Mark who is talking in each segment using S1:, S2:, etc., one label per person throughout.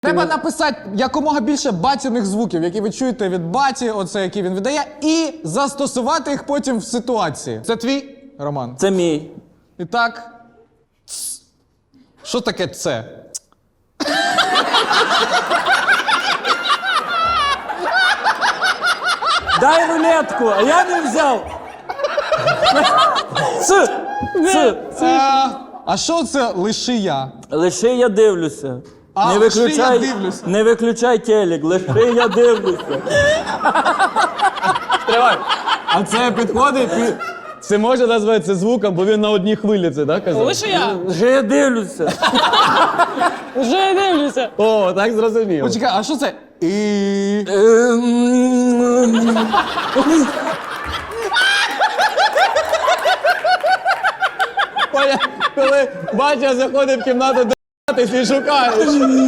S1: Треба написати якомога більше батіних звуків, які ви чуєте від баті, оце, які він видає, і застосувати їх потім в ситуації. Це твій, Роман?
S2: Це мій.
S1: І так. Що таке це?
S2: Дай рулетку, а я не взяв.
S1: А що це лиши я?
S2: Лише я дивлюся.
S1: А, лише я дивлюся.
S2: Не виключай телек, лише я дивлюся.
S3: Тривай. А це підходить? Це може назвати це звуком, бо він на одній хвилі це, так, казав?
S4: Лише я.
S2: Лише я дивлюся.
S4: Вже я дивлюся.
S3: О, так зрозуміло.
S1: Почекай, а що це?
S3: Поняв? Коли батя заходить в кімнату до ти шукаєш.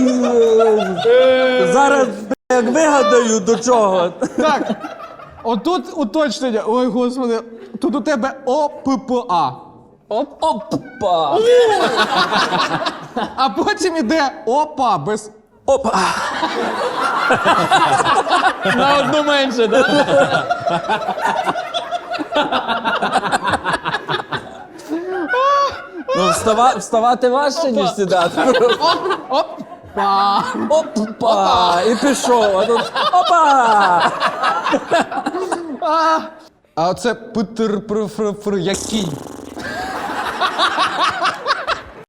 S2: Зараз, як вигадаю, до чого.
S1: Так, отут уточнення. Ой, господи, тут у тебе ОППА.
S4: Опа.
S1: А потім іде ОПА без...
S2: Опа.
S3: На одну менше, так?
S2: Ну, вставати важче, ніж сідати.
S1: Опа.
S2: Опа. І пішов. А тут опа.
S1: А оце питр-пр-фр-фр, як кінь.